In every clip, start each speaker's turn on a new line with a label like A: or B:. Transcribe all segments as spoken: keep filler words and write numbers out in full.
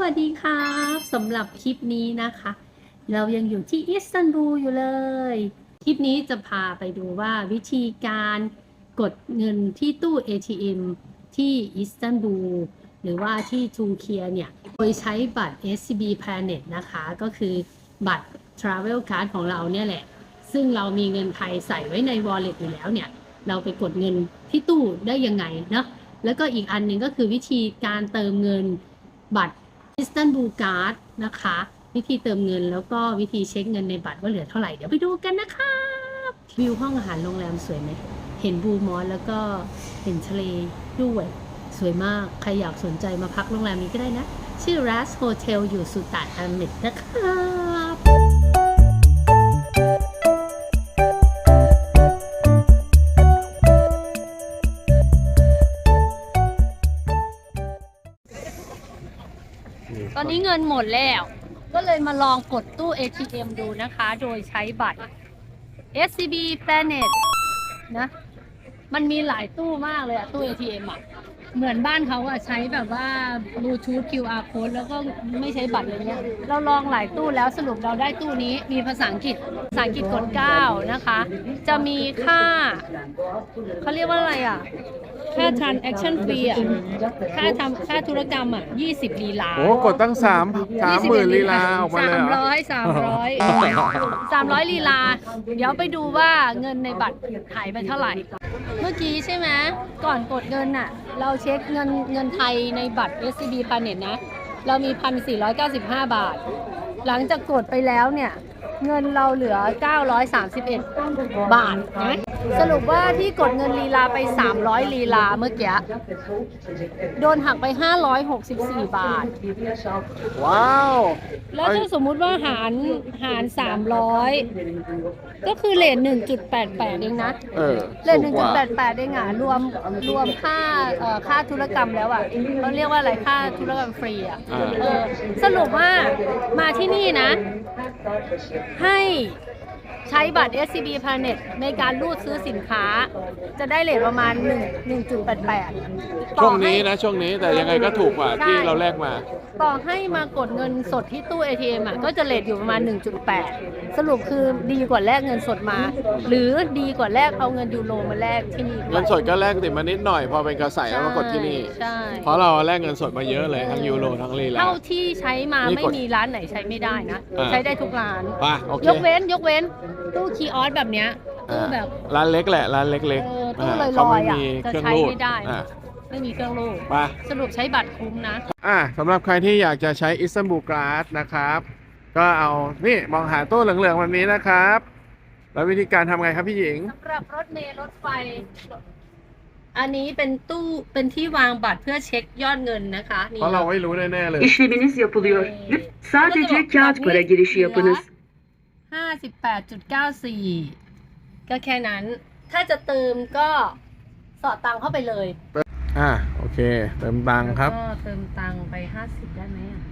A: วัสดีครับสำหรับคลิปนี้นะคะเรายังอยู่ที่อิสตันบูลอยู่เลยคลิปนี้จะพาไปดูว่าวิธีการกดเงินที่ตู้ เอ ที เอ็ม ที่อิสตันบูลหรือว่าที่ทูเคียเนี่ยโดยใช้บัตร เอส ซี บี Planet นะคะก็คือบัตร Travel Card ของเราเนี่ยแหละซึ่งเรามีเงินไทยใส่ไว้ใน Wallet อยู่แล้วเนี่ยเราไปกดเงินที่ตู้ได้ยังไงเนาะแล้วก็อีกอันหนึ่งก็คือวิธีการเติมเงินบัตรอิสตันบูลการ์ดนะคะวิธีเติมเงินแล้วก็วิธีเช็คเงินในบัตรว่าเหลือเท่าไหร่เดี๋ยวไปดูกันนะคะวิวห้องอาหารโรงแรมสวยไหมเห็นบูมอสแล้วก็เห็นทะเลด้วยสวยมากใครอยากสนใจมาพักโรงแรมนี้ก็ได้นะชื่อ Ras Hotel อยู่สุตาอาเมดนะครับตอนนี้เงินหมดแล้วก็เลยมาลองกดตู้ เอ ที เอ็ม ดูนะคะโดยใช้บัตร เอส ซี บี Planet นะมันมีหลายตู้มากเลยอะตู้ เอ ที เอ็ม อะเหมือนบ้านเขาอะใช้แบบว่า Bluetooth คิว อาร์ Code แล้วก็ไม่ใช้บัตรอะไรเงี้ยเราลองหลายตู้แล้วสรุปเราได้ตู้นี้มีภาษาอังกฤษภาษาอังกฤษกดเก้านะคะจะมีค่าเขาเรียกว่าอะไรอะค่า transaction fee อ่ะค่าทำค่าธุรกรรมอ่ะยี่สิบลีลา
B: โอ้กดตั้งสามสามหมื่นลีลาออกมาเลย
A: สามร้อยสามร้อยสามร้อยลีลาเดี๋ยวไปดูว่าเงินในบัตรหายไปเท่าไหร่เมื่อกี้ใช่ไหมก่อนกดเงินอ่ะเราเช็คเงินเงินไทยในบัตร เอส ซี บี Planet นะเรามี หนึ่งพันสี่ร้อยเก้าสิบห้า บาทหลังจากกดไปแล้วเนี่ยเงินเราเหลือเก้าร้อยสามสิบเอ็ดบาทนะสรุปว่าที่กดเงินลีลาไปสามร้อยลีลาเมื่อกี้โดนหักไปห้าร้อยหกสิบสี่บาท
B: ว้าว
A: แล้วถ้าสมมุติว่าหารหารสามร้อยก็คือเรท หนึ่งจุดแปดแปด เองนะ
B: เออ
A: เรท หนึ่งจุดแปดแปด เองอ่ะรวมรวมค่าเอ่อค่าธุรกรรมแล้วอ่ะเขาเรียกว่าอะไรค่าธุรกรรมฟรีอ่ะเออสรุปว่ามาที่นี่นะให้ใช้บัตร เอส ซี บี Planet ในการรูดซื้อสินค้าจะได้เรทประมาณหนึ่งจุดแปดแปด
B: ช่วงนี้นะช่วงนี้แต่ยังไงก็ถูกกว่าที่เราแลกมา
A: ต่อให้มากดเงินสดที่ตู้ เอ ที เอ็ม อ่ะก็จะเรทอยู่ประมาณ หนึ่งจุดแปด สรุปคือดีกว่าแลกเงินสดมาหรือดีกว่าแลกเอาเงินยูโรมาแลกที่นี่
B: เงินสดก็แลกติดมานิดหน่อยพอเป็นกระใสเอามากดที่นี่เพราะเราแลกเงินสดมาเยอะเลยทั้งยูโรทั้งลีลา
A: เท่าที่ใช้มาไม่มีร้านไหนใช้ไม่ได้นะใช้ได้ทุกร้าน
B: ย
A: กเว้นยกเว้นตู้คีออสแบบเนี้ยตู้แบบ
B: ร้านเล็กแหละร้านเล็ก
A: ๆตู้ลอยๆอ่ะจะใช้ไม่ได้ไม่มีเครื่องรูดสรุปใช้บัตรคุ้มนะ
B: อ่ะสำหรับใครที่อยากจะใช้อิสตันบูลการ์ดนะครับก็เอานี่มองหาตู้เหลืองๆแบบนี้นะครับแล้ววิธีการทำไงครับพี่หญิง
A: สำหรับรถเมล์รถไฟอันนี้เป็นตู้เป็นที่วางบัตรเพื่อเช็คยอดเงินนะคะ
B: เพราะเราไม่รู้แน่ๆเลย
C: İşleminiz yapılıyor. Sadece kağıt para girişi yapınız.
A: ห้าสิบแปดจุดเก้าสี่ ก็แค่นั้นถ้าจะเติมก็สอดตังเข้าไปเลย
B: อ่าโอเคเติมตังครับ
A: ก็เติมตังไปห้าสิบได้ไหมอ่ะ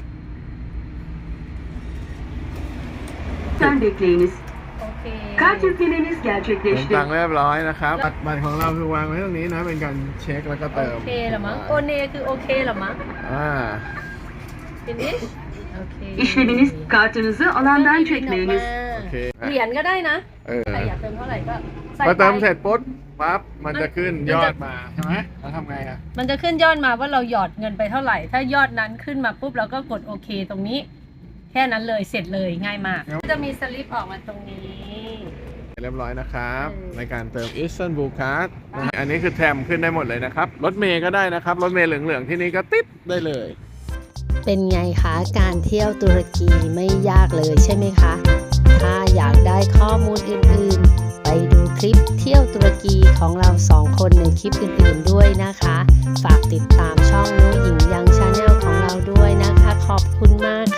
C: Sen bekleyiniz.
A: โอเค
C: Kart yüklemeniz
B: เติม
C: gerçekleşti.
B: ตังเรียบร้อยนะครับบัตรของเราคือวางไว้ตรงนี้นะเป็นการเช็คแล้วก็เติม
A: โอเคเหรอมั้งโอเนคือโอเคเหรอมั้ง
B: อ่า
A: ทีนี้โอเค
C: İşleminiz kartınızı alandan çekmeyiniz.
B: โอเค
A: เหรียญก็ได้นะใครอยากเติมเท่าไหร่ก็ใส่
B: พอเติมเสร็จปุ๊บปั๊บมันจะขึ้นยอดมาใช่ไหมแล้วทำไงอ่ะ
A: มันจะขึ้นยอดมาว่าเราหยอดเงินไปเท่าไหร่ถ้ายอดนั้นขึ้นมาปุ๊บเราก็กดโอเคตรงนี้แค่นั้นเลยเสร็จเลยง่ายมากจะมีสลิปออกมาตรงนี้
B: เรียบร้อยนะครับในการเติมอิสตันบูลการ์ดอันนี้คือแทมขึ้นได้หมดเลยนะครับรถเมย์ก็ได้นะครับรถเมย์เหลืองๆที่นี่ก็ติ๊บได้เลย
D: เป็นไงคะการเที่ยวตุรกีไม่ยากเลยใช่ไหมคะถ้าอยากได้ข้อมูลอื่นๆไปดูคลิปเที่ยวตุรกีของเราสองคนในคลิปอื่นๆด้วยนะคะฝากติดตามช่องนุ้ยหญิงยังชาแนลของเราด้วยนะคะขอบคุณมาก